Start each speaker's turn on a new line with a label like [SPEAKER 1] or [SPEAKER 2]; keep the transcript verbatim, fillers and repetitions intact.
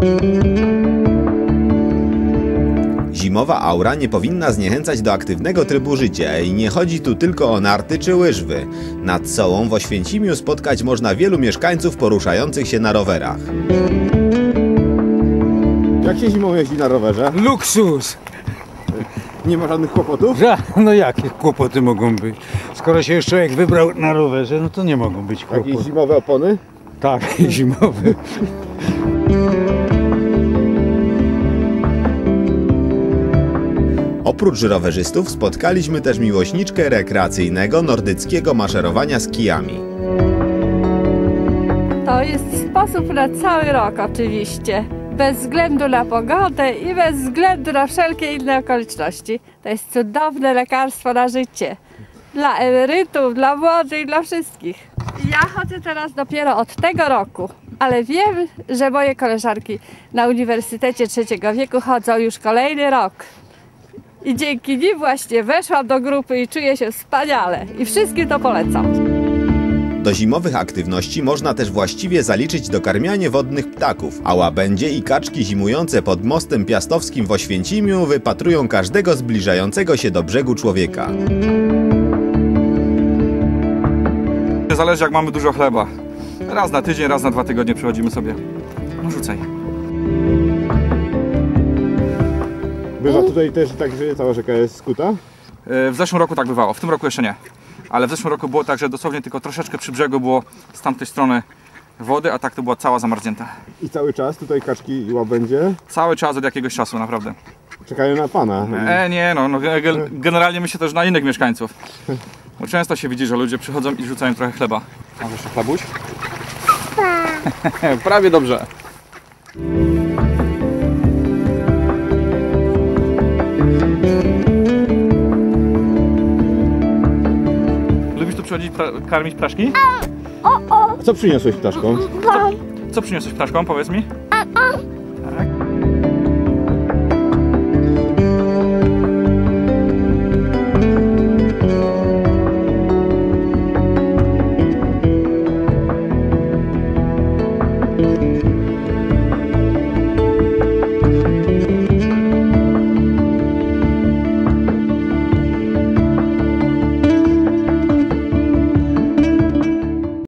[SPEAKER 1] Zimowa aura nie powinna zniechęcać do aktywnego trybu życia i nie chodzi tu tylko o narty czy łyżwy. Nad Sołą w Oświęcimiu spotkać można wielu mieszkańców poruszających się na rowerach.
[SPEAKER 2] Jak się zimą jeździ na rowerze?
[SPEAKER 3] Luksus!
[SPEAKER 2] Nie ma żadnych kłopotów?
[SPEAKER 3] No jakie kłopoty mogą być? Skoro się już człowiek wybrał na rowerze, no to nie mogą być kłopoty.
[SPEAKER 2] Jakieś zimowe opony?
[SPEAKER 3] Tak, zimowe.
[SPEAKER 1] Oprócz rowerzystów spotkaliśmy też miłośniczkę rekreacyjnego nordyckiego maszerowania z kijami.
[SPEAKER 4] To jest sposób na cały rok oczywiście. Bez względu na pogodę i bez względu na wszelkie inne okoliczności. To jest cudowne lekarstwo na życie. Dla emerytów, dla młodych, dla wszystkich. Ja chodzę teraz dopiero od tego roku, ale wiem, że moje koleżanki na Uniwersytecie Trzeciego Wieku chodzą już kolejny rok. I dzięki nim właśnie weszłam do grupy i czuję się wspaniale. I wszystkim to polecam.
[SPEAKER 1] Do zimowych aktywności można też właściwie zaliczyć dokarmianie wodnych ptaków, a łabędzie i kaczki zimujące pod mostem piastowskim w Oświęcimiu wypatrują każdego zbliżającego się do brzegu człowieka.
[SPEAKER 5] Zależy, jak mamy dużo chleba. Raz na tydzień, raz na dwa tygodnie przychodzimy sobie. No rzucaj.
[SPEAKER 2] Bywa tutaj też tak, że cała rzeka jest skuta?
[SPEAKER 5] W zeszłym roku tak bywało, w tym roku jeszcze nie. Ale w zeszłym roku było tak, że dosłownie tylko troszeczkę przy brzegu było z tamtej strony wody, a tak to była cała zamarznięta.
[SPEAKER 2] I cały czas tutaj kaczki i łabędzie?
[SPEAKER 5] Cały czas od jakiegoś czasu, naprawdę.
[SPEAKER 2] Czekają na pana.
[SPEAKER 5] E, nie, no, no generalnie myślę też na innych mieszkańców. Bo często się widzi, że ludzie przychodzą i rzucają trochę chleba. Masz jeszcze chlabuś? Prawie dobrze. Lubisz tu przychodzić pra karmić ptaszki?
[SPEAKER 2] A co przyniosłeś ptaszkom?
[SPEAKER 5] Co, co przyniosłeś ptaszkom, powiedz mi?